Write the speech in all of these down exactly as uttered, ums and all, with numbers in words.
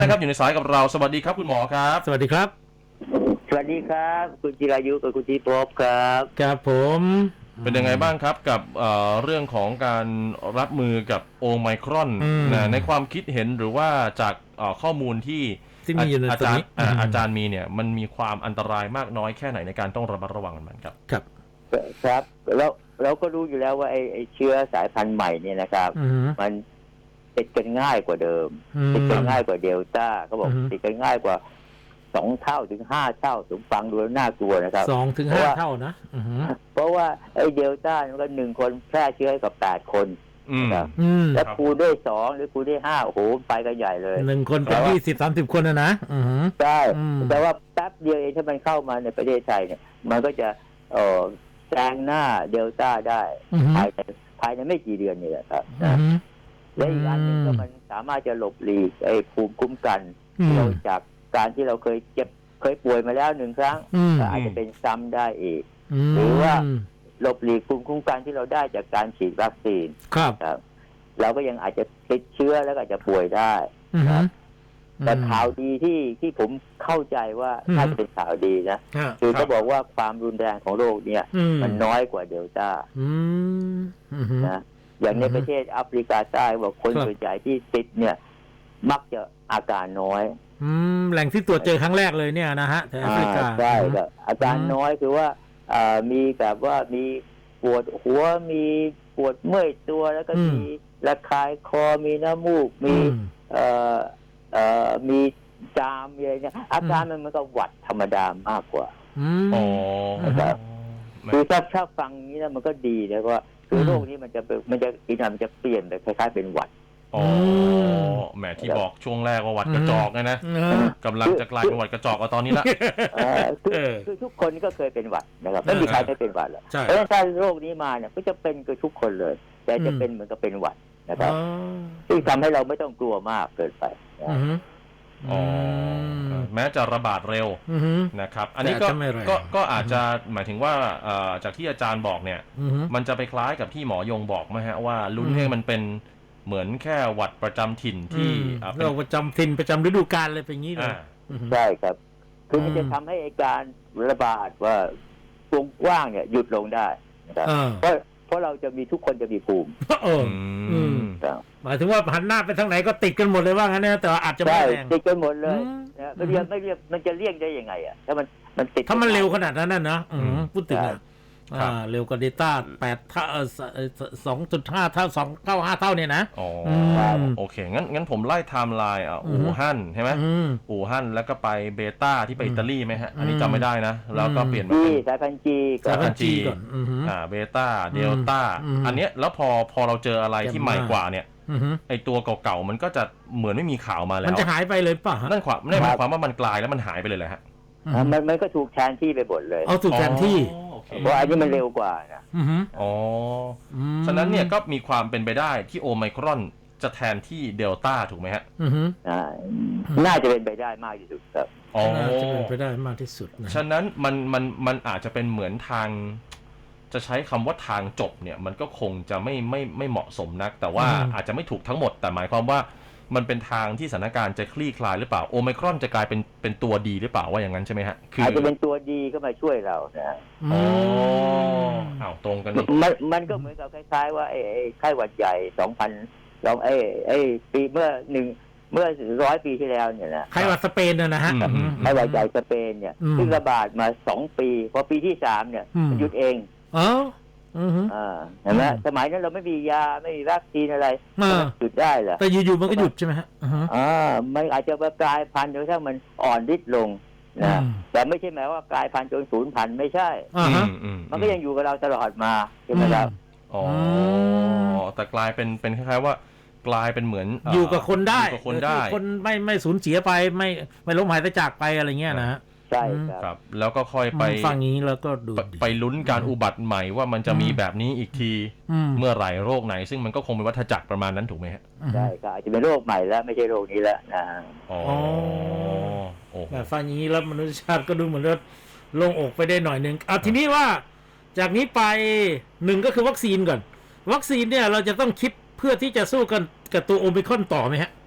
นะครับอยู่ในสายกับเราสวัสดีครับคุณหมอครับสวัสดีครับสวัสดีครับคุณจิรายุกับคุณทีพบครับครับผมเป็นยังไงบ้างครับกับเอ่อเรื่องของการรับมือกับโอไมครอนนะในความคิดเห็นหรือว่าจากเอ่อข้อมูลที่ที่มีอยู่ในอาตรงจารนี้ย์อ่าอาจารย์มีเนี่ยมันมีความอันตรายมากน้อยแค่ไหนในการต้องระมัดระวังมันครับครับครับแล้วเราก็รู้อยู่แล้วว่าไอ้ไอ้เชื้อสายพันธุ์ใหม่เนี่ยนะครับมันติดกันง่ายกว่าเดิมติดกันง่ายกว่าเดลต้าเขาบอกติดกันง่ายกว่าสองเท่าถึงห้าเท่าถึงฟังดูแล้วน่ากลัวนะครับสองถึงห้าเท่านะเพราะว่าไอ้เดลต้ามันก็หนึ่งคนแพร่เชื้อให้กับแปดคนนะครับแล้วคูณด้วยสองหรือคูณด้วยห้าโอ้โหไปกันใหญ่เลยหนึ่งคนเป็นยี่สิบสามสิบคนนะนะใช่แต่ว่าแป๊บเดียวเองถ้ามันเข้ามาในประเทศไทยเนี่ยมันก็จะเอ่อแซงหน้าเดลต้าได้ภายในภายในไม่กี่เดือนนี่แหละครับนะและอีกอันหนึ่งก็มันสามารถจะหลบหลีกไอ้ภูมิคุ้มกันเราจากการที่เราเคยเจ็บเคยป่วยมาแล้วหนึ่งครั้งก็อาจจะเป็นซ้ำได้อีกหรือว่าหลบหลีกภูมิคุ้มกันที่เราได้จากการฉีดวัคซีนครับเราก็ยังอาจจะติดเชื้อแล้วก็อาจจะป่วยได้ครับแต่ข่าวดีที่ที่ผมเข้าใจว่าน่าจะเป็นข่าวดีนะคือเขาบอกว่าความรุนแรงของโรคเนี่ยมันน้อยกว่าเดลต้านะอย่างในประเทศแอฟริกาใต้บอกคนส่วนใหญ่ที่ติดเนี่ยมักจะอาการน้อยแหล่งที่ตรวจเจอครั้งแรกเลยเนี่ยนะฮะแถวแอฟริกาใช่ครับอาการน้อยคือว่ามีแบบว่ามีปวดหัวมีปวดเมื่อยตัวแล้วก็มีระคายคอมีน้ำมูกมีเอ่อเอ่อมีจามมีอะไรเนี่ยอาการมันมันก็หวัดธรรมดามากกว่าอ๋อนะครับคือถ้าถ้าฟังนี้แล้วมันก็ดีนะว่าคือโรคนี้มันจะมันจะอีกหน่อยมันจะเปลี่ยนไปคล้ายๆเป็นหวัดอ๋อแหมที่บอกช่วงแรกว่าหวัดกระจอกนะกำลังจะกลายเป็นหวัดกระจอกเอาตอนนี้ละคือทุกคนก็เคยเป็นหวัดนะครับไม่มีใครไม่เป็นหวัดหรอกเพราะฉะนั้นถ้าโรคนี้มาเนี่ยก็จะเป็นกับทุกคนเลยแต่จะเป็นเหมือนกับเป็นหวัดนะครับซึ่งทำให้เราไม่ต้องกลัวมากเกินไปอ๋อแม้จะระบาดเร็วนะครับอันนี้ก็ก็ก็อาจจะหมายถึงว่าจากที่อาจารย์บอกเนี่ยมันจะไปคล้ายกับที่หมอยงบอกไหมฮะว่าลุ้นให้มันเป็นเหมือนแค่หวัดประจำถิ่นที่โรคประจำถิ่นประจำฤดูกาลเลยเป็นอย่างนี้เลยใช่ครับคือมันจะทำให้การระบาดว่าวงกว้างเนี่ยหยุดลงได้นะครับเพราะเพราะเราจะมีทุกคนจะมีภูมิหมายถึงว่าหันหน้าไปทางไหนก็ติดกันหมดเลยว่างั้นนะแต่อาจจะไม่แรงติดกันหมดเลยนะไม่เรียกไม่เรียกมันจะเลี่ยงได้ยังไงอ่ะถ้ามันมันติดถ้ามันเร็วขนาดนั้นนะเนาะพูดถึงอ่ะเร็วกว่าเดลต้าแปดเท่าสองจุดห้าเท่าสองเท่าห้าเท่าเนี่ยนะอ๋อโอเคงั้นงั้นผมไล่ไทม์ไลน์อ่ะอู่ฮั่นใช่ไหมอู่ฮั่นแล้วก็ไปเบต้าที่ไปอิตาลีไหมฮะอันนี้จำไม่ได้นะแล้วก็เปลี่ยนมาเป็นสายพันธุ์จีสายพันธุ์จีก่อนอ่าเบต้าเดลต้าอันเนี้ยแล้วพอพอเราเจออะไรที่ใหม่กว่าเนี่ยไอตัวเก่าๆมันก็จะเหมือนไม่มีข่าวมาแล้วมันจะหายไปเลยป่ะนั่นความนั่นหมายความว่ามันกลายแล้วมันหายไปเลยแหละฮะมันมันก็ถูกแทนที่ไปหมดเลยเอาถูกแทนที่เพราะอันนี้มันเร็วกว่านะอ๋อฉะนั้นเนี่ยก็มีความเป็นไปได้ที่โอไมครอนจะแทนที่เดลต้าถูกไหมฮะน่าจะเป็นไปได้มากที่สุดครับอ๋อจะเป็นไปได้มากที่สุดนะฉะนั้นมันมันมันอาจจะเป็นเหมือนทางจะใช้คำว่าทางจบเนี่ยมันก็คงจะไม่ไม่ไม่เหมาะสมนักแต่ว่าอาจจะไม่ถูกทั้งหมดแต่หมายความว่ามันเป็นทางที่สถานการณ์จะคลี่คลายหรือเปล่าโอไมครอนจะกลายเป็นเป็นตัวดีหรือเปล่าว่าอย่างนั้นใช่ไหมฮะอาจจะเป็นตัวดีเข้ามาช่วยเรานะอ๋ออ้าวตรงกันมันมันก็เหมือนกับคล้ายๆว่าไอ้ไข้หวัดใหญ่สองพันลองไอ้ไอ้ปีเมื่อหนึ่งเมื่อร้อยปีที่แล้วเนี่ยนะไข้หวัดสเปนนะฮะไข้หวัดใหญ่สเปนเนี่ยซึ่งระบาดมาสองปีพอปีที่สามเนี่ยหยุดเองอ๋ออ่าเห็นไหมสมัยนั้นเราไม่มียาไม่มีวัคซีนอะไรหยุดได้เหรอแต่อยู่ๆมันก็หยุดใช่ไหมฮะอ่ามันอาจจะกลายพันธุ์จนกระทั่งมันอ่อนฤทธิ์ลงนะแต่ไม่ใช่หมายว่ากลายพันธุ์จนสูญพันธุ์ไม่ใช่มันก็ยังอยู่กับเราตลอดมาใช่ไหมครับอ๋อแต่กลายเป็นเป็นคล้ายๆว่ากลายเป็นเหมือนอยู่กับคนได้อยู่กับคนได้คนไม่ไม่สูญเสียไปไม่ไม่ล้มหายไปจากไปอะไรเงี้ยนะใช่ครับแล้วก็ค่อยไปฟังนี้แล้วก็ดูไปลุ้นการอุบัติใหม่ว่ามันจะมีแบบนี้อีกทีเมื่อไหร่โรคไหนซึ่งมันก็คงเป็นวัฏจักรประมาณนั้นถูกไหมฮะใช่ครับอาจจะเป็นโรคใหม่แล้วไม่ใช่โรคนี้แล้วนะอ๋อแบบฟังนี้แล้วมนุษยชาติก็ดูเหมือนว่าโล่งอกไปได้หน่อยนึงเอาทีนี้ว่าจากนี้ไปหนึ่งก็คือวัคซีนก่อนวัคซีนเนี่ยเราจะต้องคิดเพื่อที่จะสู้กันกับตัวโอมิครอนต่อไหมฮะ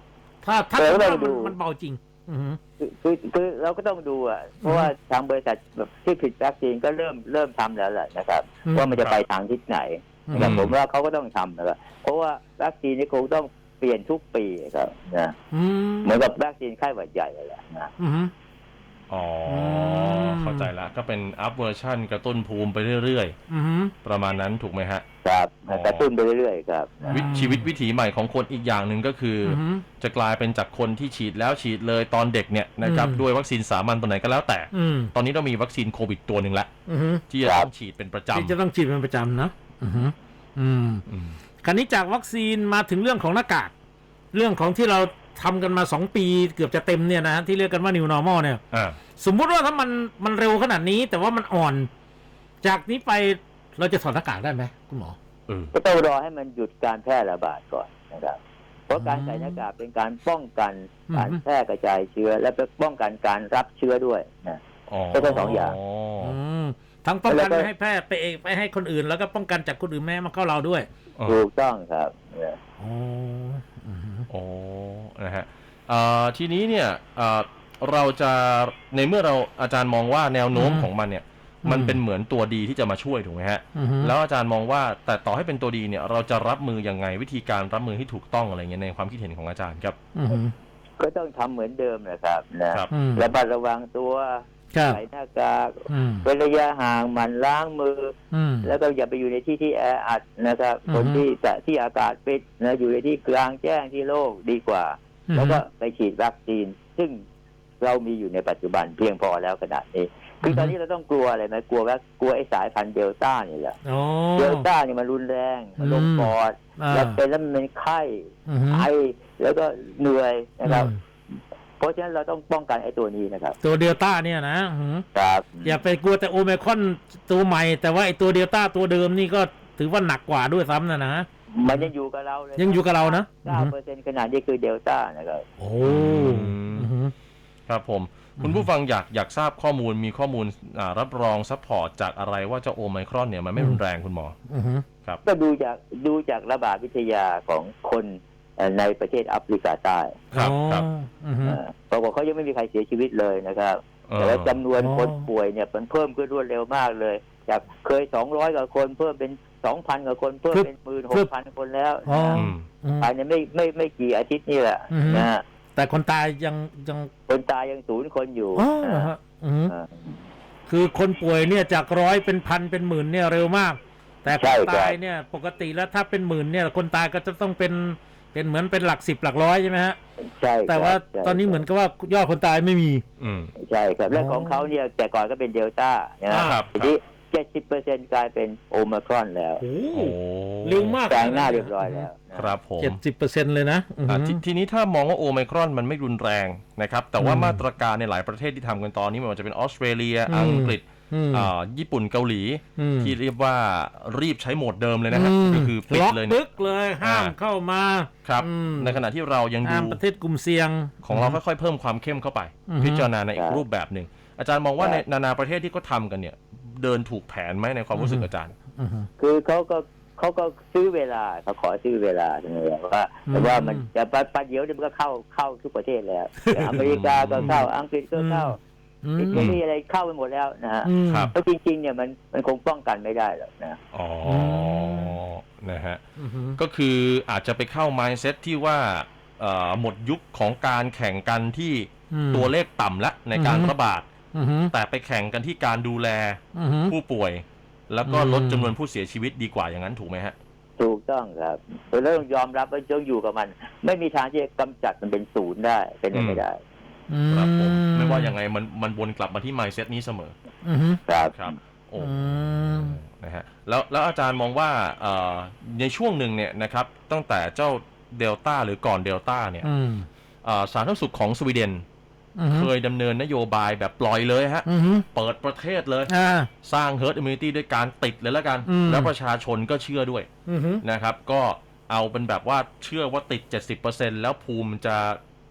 ถ้าถ้าเราก็ถ้าต้องมันดูมันเบาจริง อือฮึคือคือคือเราก็ต้องดูอ่ะเพราะว่าทางบริษัทแบบที่ผลิตวัคซีนก็เริ่มเริ่มทำแล้วแหละนะครับอืมว่ามันจะไปทางทิศไหนอืมแต่ผมว่าเขาก็ต้องทำนะครับเพราะว่าวัคซีนนี่คงต้องเปลี่ยนทุกปีครับนะอืมเหมือนกับวัคซีนไข้หวัดใหญ่เลยแหละนะอือฮึอ๋อมเข้าใจละก็เป็นอัพเวอร์ชันกระตุ้นภูมิไปเรื่อยอือฮึๆ ประมาณนั้นถูกไหมฮะครับอ๋อกระตุ้นไปเรื่อยๆครับนะวิชีวิตวิถีใหม่ของคนอีกอย่างหนึ่งก็คือออฮึจะกลายเป็นจากคนที่ฉีดแล้วฉีดเลยตอนเด็กเนี่ยนะครับอืมด้วยวัคซีนสามัญตัวไหนก็แล้วแต่อืมตอนนี้เรามีวัคซีนโควิดตัวหนึ่งแล้วอือฮึที่จะต้องฉีดเป็นประจที่จะต้องฉีดเป็นประจำนะอือฮึอืมำอืมคราวนี้จากวัคซีนมาถึงเรื่องของหน้ากาก เรื่องของที่เราทำกันมาสองปีเกือบจะเต็มเนี่ยนะที่เรียกกันว่า New Normal เนี่ยอ่าสมมุติว่าถ้ามันมันเร็วขนาดนี้ แต่ว่ามันอ่อน จากนี้ไปเราจะถอดหน้ากากได้ไหมคุณหมอเออก็ต้องรอให้มันหยุดการแพร่ระบาดก่อนนะครับเพราะการใส่หน้ากากเป็นการป้องกันอืมการแพร่กระจายเชื้อ และเป็นป้องกันการรับเชื้อด้วยนะอ๋อก็ต้องสองอย่างอืมทั้งป้องกันแล้วก็ไม่ให้แพร่ไปเองไปให้คนอื่น แล้วก็ป้องกันจากคนอื่นแม่ให้มาเข้าเราด้วยอ๋อถูกต้องครับนะอ๋ออือฮึโอ้นะฮะเอ่อทีนี้เนี่ยเอ่อเราจะในเมื่อเราอาจารย์มองว่าแนวโน้มของมันเนี่ย มันเป็นเหมือนตัวดีที่จะมาช่วยถูกไหมฮะอือฮึแล้วอาจารย์มองว่าแต่ต่อให้เป็นตัวดีเนี่ย เราจะรับมือยังไงวิธีการรับมือที่ถูกต้องอะไรเงี้ยในความคิดเห็นของอาจารย์ครับอือฮึก็ต้องทำเหมือนเดิมนะครับนะครับอืมระมัดระวังตัวครับใส่หน้ากากอืมเว้นระยะห่างหมั่นล้างมืออืมแล้วก็อย่าไปอยู่ในที่ที่แออัดนะครับอือฮึคนที่แต่ที่อากาศปิดนะอยู่ในที่กลางแจ้งที่โล่งดีกว่า แล้วก็ไปฉีดวัคซีน ซึ่งเรามีอยู่ในปัจจุบันเพียงพอแล้วขนาดนี้คือตอนนี้เราต้องกลัวอะไรไหมกลัวว่ากลัวไอ้สายพันธุ์เดลต้านี่แหละอ๋อเดลต้าเนี่ยมันรุนแรงมันลงปอดอ่าแล้วเป็นแล้วมันเป็นไข้อือฮึไอแล้วก็เหนื่อยนะครับอืมเพราะฉะนั้นเราต้องป้องกันไอ้ตัวนี้นะครับตัวเดลต้าเนี่ยนะอือฮึครับอย่าไปกลัวแต่โอไมครอนตัวใหม่ แต่ว่าไอตัวเดลต้าตัวเดิมนี่ก็ถือว่าหนักกว่าด้วยซ้ำนะนะมันยังอยู่กับเราเลยยังอยู่กับเรานะเก้าเปอร์เซ็นต์ขนาดนี้คือเดลต้านะครับโอ้อืมอือฮึครับผม คุณผู้ฟังอยากอยากทราบข้อมูลมีข้อมูลอ่ารับรองซัพพอร์ตจากอะไรว่าเจ้าโอไมครอนเนี่ยมันไม่รุนแรงคุณหมออือฮึครับก็ดูจากดูจากระบาดวิทยาของคนเอ่อในประเทศแอฟริกาใต้ครับครับอือฮึเอ่อปรากฏเขายังไม่มีใครเสียชีวิตเลยนะครับเออแต่ว่าจำนวนอ๋อคนป่วยเนี่ยมันเพิ่มขึ้นรวดเร็วมากเลย จากเคยสองร้อยกว่าคนเพิ่มเป็นสองพันกว่าคนเพิ่มเป็นหมื่นหกพันคนแล้วอ๋อนะอืมอืมภายในไม่ไม่ไม่กี่อาทิตย์นี่แหละอือฮึนะฮะแต่คนตายยังยังคนตายยังศูนย์คนอยู่อ๋อเหรอฮะอือฮึอ่าคือคนป่วยเนี่ยจากร้อยเป็นพันเป็นหมื่นเนี่ยเร็วมาก แต่คใช่นครับตายเนี่ยปกติแล้วถ้าเป็นหมื่นเนี่ยคนตายก็จะต้องเป็นเป็นเหมือนเป็นหลักสิบหลักร้อยใช่ไหมฮะใช่ครับแต่ว่าใช่ตอนนี้เหมือนกับว่ายอดคนตายไม่มีอืมใช่ครับและอ๋อของเขาเนี่ยแต่ก่อนก็เป็นเดลต้านะฮะครับทีนี้เจ็ดสิบเปอร์เซ็นต์กลายเป็นโอมครอนแล้วโอ้โอ้เร็วมากแซงหน้าเรียบร้อยแล้วนะครับผมเจ็ดสิบเปอร์เซ็นต์เลยนะอืออ่ะฮึททีนี้ถ้ามองว่าโอไมครอนมันไม่รุนแรงนะครับ แต่ว่าอืมมาตรการในหลายประเทศที่ทำกันตอนนี้ไม่ว่าจะเป็นออสเตรเลียอืมอังกฤษอืมอ่าญี่ปุ่นเกาหลีอืมที่เรียกว่ารีบใช้โหมดเดิมเลยนะฮะมก็คือปิดล็อกเลยเนี่ยตึกเลยห้ามอ่าเข้ามาครับอืมในขณะที่เรายังดูห้ามประเทศกลุ่มเสี่ยงของเราค่อยๆเพิ่มความเข้มเข้าไปอือฮึพิจารณาในอีคกรับรูปแบบหนึ่งอาจารย์มองว่าคในรับนานาประเทศที่เขาทำกันเนี่ย เดินถูกแผนไหมในความรู้สึกอาจารย์อือฮึคือเขาก็เขาก็ซื้อเวลาเขาขอซื้อเวลาตรงนี้ว่าอืมแต่ว่ามันแต่ปัจปัจเดี๋ยวเนี่ยมันก็เข้าเข้าทุกประเทศแล้วอย่างอเมริกาก็เข้าอังกฤษก็เข้าอืมอิตาลีอะไรเข้าไปหมดแล้วนะฮะอืมครับเพราะจริงๆเนี่ยมันมันคงป้องกันไม่ได้หรอกนะอ๋อนะฮะอือฮึก็คืออาจจะไปเข้า mindset ที่ว่าเอ่อหมดยุคของการแข่งกันที่อืมตัวเลขต่ำละในการอือฮึระบาดอือฮึแต่ไปแข่งกันที่การดูแลอือฮึผู้ป่วย แล้วก็อืมลดจำนวนผู้เสียชีวิตดีกว่าอย่างนั้นถูกไหมฮะถูกต้องครับเราต้องยอมรับว่าต้องอยู่กับมัน ไม่มีทางที่จะกำจัดมันเป็นศูนย์ได้เป็นไปไม่ได้อืครับผมไม่ว่ายังไงมันมันวนกลับมาที่ mindset นี้เสมออือฮึครับครับโอ้อืมนะฮะแล้วแล้วอาจารย์มองว่าเอ่อในช่วงหนึ่งเนี่ยนะครับตั้งแต่เจ้าเดลต้าหรือก่อนเดลต้าเนี่ยอืมเอ่อสาธารณสุขของสวีเดนอือฮึเคยดำเนินนโยบายแบบปล่อยเลยฮะอือฮึเปิดประเทศเลยอ่าสร้าง herd immunity ด้วยการติดเลยแล้วกันอืมแล้วประชาชนก็เชื่อด้วยอือฮึนะครับ ก็เอาเป็นแบบว่าเชื่อว่าติด เจ็ดสิบเปอร์เซ็นต์ แล้วภูมิจะ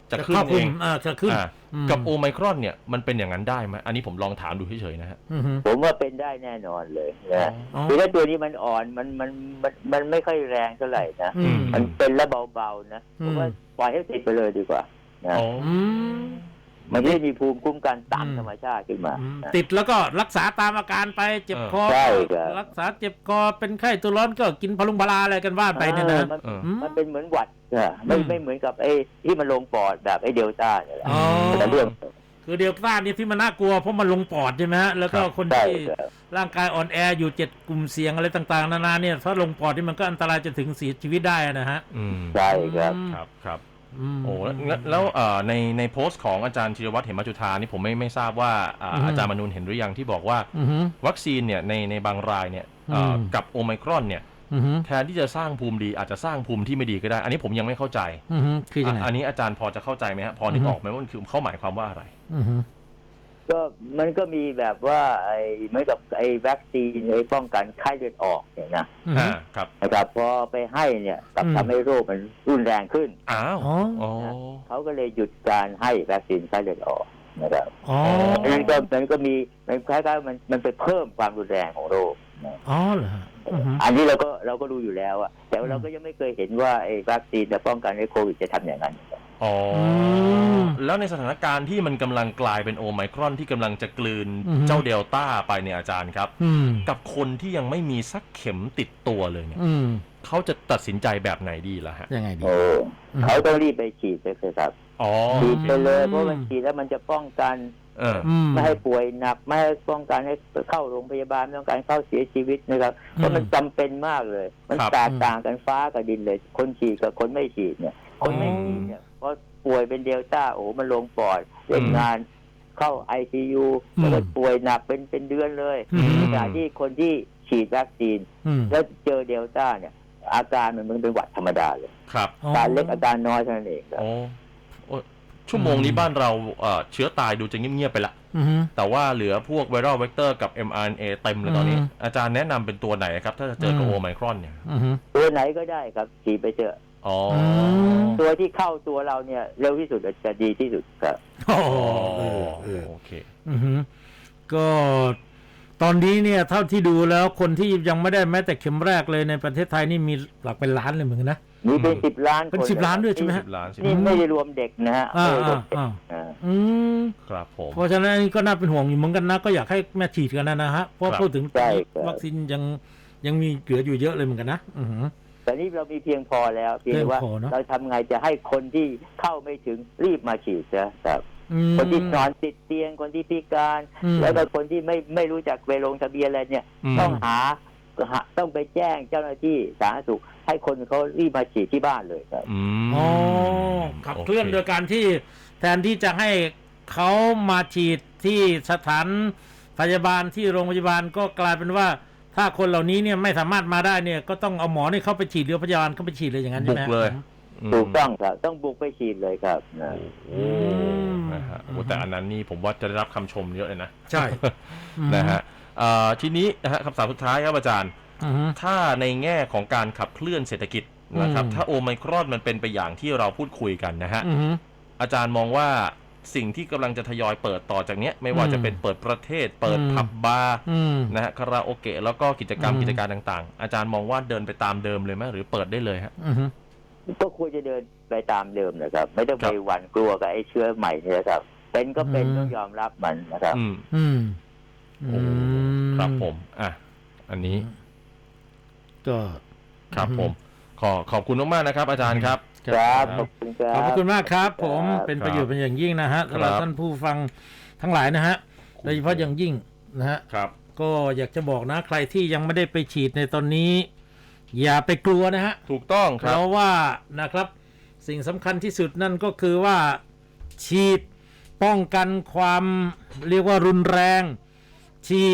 จะขึ้นเองอ่าจะขึ้นกับโอไมครอนเนี่ยมันเป็นอย่างนั้นได้ไหมอันนี้ผมลองถามดูเฉยๆนะฮะผมว่าเป็นได้แน่นอนเลยนะคือถ้าตัวนี้มันอ่อนมันมันมันมันไม่ค่อยแรงเท่าไหร่นะมันเป็นแล้วเบาๆนะผมว่าปล่อยให้ติดไปเลยดีกว่านะมันไม่มีภูมิคุ้มกันตามธรรมชาติขึ้นมาติดแล้วก็รักษาตามอาการไปเจ็บคอรักษาเจ็บคอเป็นไข้ตัวร้อนก็กินพลุงพลาอะไรกันว่าไปเนี่ยนะมันเป็นเหมือนหวัดไม่ไม่เหมือนกับไอ้ที่มันลงปอดแบบไอ้เดลต้าเนี่ยแหละแต่เรื่องคือเดลต้าเนี่ยที่มันน่ากลัวเพราะมันลงปอดใช่ไหมฮะแล้วก็คนที่ร่างกายอ่อนแออยู่เจ็ดกลุ่มเสี่ยงอะไรต่างๆนานาเนี่ยถ้าลงปอดนี่มันก็อันตรายจะถึงเสียชีวิตได้นะฮะใช่ครับครับครับโอ้แล้วแล้วในในโพสต์ของอาจารย์ธีรวัฒน์เหมจุฑานี่ผมไม่ไม่ทราบว่าอาจารย์มนูนเห็นหรือยังที่บอกว่าวัคซีนเนี่ยในในบางรายเนี่ยกับโอไมครอนเนี่ยแทนที่จะสร้างภูมิดีอาจจะสร้างภูมิที่ไม่ดีก็ได้อันนี้ผมยังไม่เข้าใจคือยังไงอันนี้อาจารย์พอจะเข้าใจไหมฮะพอนึกออกไหมว่ามันคือเขาหมายความว่าอะไรก็มันก็มีแบบว่าไอ้เหมือนกับไอ้วัคซีนไอ้ป้องกันไข้เลือดออกเนี่ยนะอ่าครับนะครับพอไปให้เนี่ยกลับทำให้โรคมันรุนแรงขึ้นอ้าวเขาก็เลยหยุดการให้วัคซีนไข้เลือดออกนะครับอ๋อนั้นก็มันก็มีมันคล้ายๆมันมันไปเพิ่มความรุนแรงของโรคอ๋อเหรออันนี้เราก็เราก็รู้อยู่แล้วอะแต่เราก็ยังไม่เคยเห็นว่าไอ้วัคซีนจะป้องกันไอ้โควิดจะทำอย่างนั้นอ๋อแล้วในสถานการณ์ที่มันกำลังกลายเป็นโอไมครอนที่กำลังจะกลืนเจ้าเดลต้าไปเนี่ยอาจารย์ครับกับคนที่ยังไม่มีสักเข็มติดตัวเลยเนี่ยเขาจะตัดสินใจแบบไหนดีล่ะฮะยังไงดีโอ้เขาต้องรีบไปฉีดเลยครับฉีดไปเลยเพราะมันฉีดแล้วมันจะป้องกันไม่ให้ป่วยหนักไม่ให้ป้องกันให้เข้าโรงพยาบาลไม่ต้องการเข้าเสียชีวิตนะครับเพราะมันจำเป็นมากเลยมันแตกต่างกันฟ้ากับดินเลยคนฉีดกับคนไม่ฉีดเนี่ยคนไม่ฉีดเนี่ยเพราะป่วยเป็นเดลต้าโอ้มันลงปอดเล่นงานเข้า ไอ ซี ยู แล้วก็ป่วยหนักเป็นเป็นเดือนเลยขณะที่คนที่ฉีดวัคซีนแล้วเจอเดลต้าเนี่ยอาการมันมันเป็นหวัดธรรมดาเลยครับการเล็กอาการน้อยเท่านั้นเองครับชั่วโมงนี้บ้านเราเชื้อตายดูจะเงียบๆไปละแต่ว่าเหลือพวกไวรัลเวกเตอร์กับ เอ็ม อาร์ เอ็น เอ เต็มเลยตอนนี้อาจารย์แนะนำเป็นตัวไหนครับถ้าจะเจอกับโอไมครอนเนี่ยตัวไหนก็ได้ครับฉีดไปเจออ๋อตัวที่เข้าตัวเราเนี่ยเร็วที่สุดจะดีที่สุดครับอ๋อโอเคก็ตอนนี้เนี่ยเท่าที่ดูแล้วคนที่ยังไม่ได้แม้แต่เข็มแรกเลยในประเทศไทยนี่มีหลักเป็นล้านเลยเหมือนกันนะมีเป็นสิบล้านเป็นสิบล้านด้วยใช่ไหมฮะนี่ไม่ได้รวมเด็กนะฮะอ่าอ่าอืมครับผมเพราะฉะนั้นก็น่าเป็นห่วงอยู่เหมือนกันนะก็อยากให้แม่ฉีดกันนะนะฮะเพราะพูดถึงวัคซีนยังยังมีเหลืออยู่เยอะเลยเหมือนกันนะอือแต่นี่เรามีเพียงพอแล้วเพียงว่าเราทำไงจะให้คนที่เข้าไม่ถึงรีบมาฉีดนะครับคนที่นอนติดเตียงคนที่พิการแล้วก็คนที่ไม่ไม่รู้จักไปลงทะเบียนอะไรเนี่ยต้องหาต้องไปแจ้งเจ้าหน้าที่สาธารณสุขให้คนเขารีบมาฉีดที่บ้านเลยครับอ๋อขับเคลื่อนโดยการที่แทนที่จะให้เขามาฉีดที่สถานพยาบาลที่โรงพยาบาลก็กลายเป็นว่าถ้าคนเหล่านี้เนี่ยไม่สามารถมาได้เนี่ยก็ต้องเอาหมอนี่เข้าไปฉีดหรือพยาบาลเข้าไปฉีดเลยอย่างนั้นใช่ไหมบุกเลยถูกต้องครับต้องบุกไปฉีดเลยครับนะโอ้นะฮะแต่อันนั้นนี่ผมว่าจะได้รับคำชมเยอะเลยนะใช่นะฮะทีนี้นะฮะคำถามสุดท้ายครับอาจารย์ถ้าในแง่ของการขับเคลื่อนเศรษฐกิจนะครับถ้าโอไมครอนมันเป็นไปอย่างที่เราพูดคุยกันนะฮะอาจารย์มองว่าสิ่งที่กำลังจะทยอยเปิดต่อจากนี้ไม่ว่าจะเป็นเปิดประเทศเปิดผับบาร์นะฮะคาราโอเกะแล้วก็กิจกรรมกิจการต่างๆอาจารย์มองว่าเดินไปตามเดิมเลยไหมหรือเปิดได้เลยฮะก็ควรจะเดินไปตามเดิมนะครับไม่ต้องไปหวั่นกลัวกับไอ้เชื้อใหม่นี่นะครับเป็นก็เป็นต้องยอมรับมันนะครับอืมอืมครับผมอ่ะอันนี้ก็ครับผมขอขอบคุณมากๆนะครับอาจารย์ครับครับขอบคุณครับขอบคุณมากครับผมเป็นประโยชน์เป็นอย่างยิ่งนะฮะสำหรับท่านผู้ฟังทั้งหลายนะฮะโดยเฉพาะอย่างยิ่งนะฮะครับก็อยากจะบอกนะใครที่ยังไม่ได้ไปฉีดในตอนนี้อย่าไปกลัวนะฮะถูกต้องครับเพราะว่านะครับสิ่งสำคัญที่สุดนั่นก็คือว่าฉีดป้องกันความเรียกว่ารุนแรงฉีด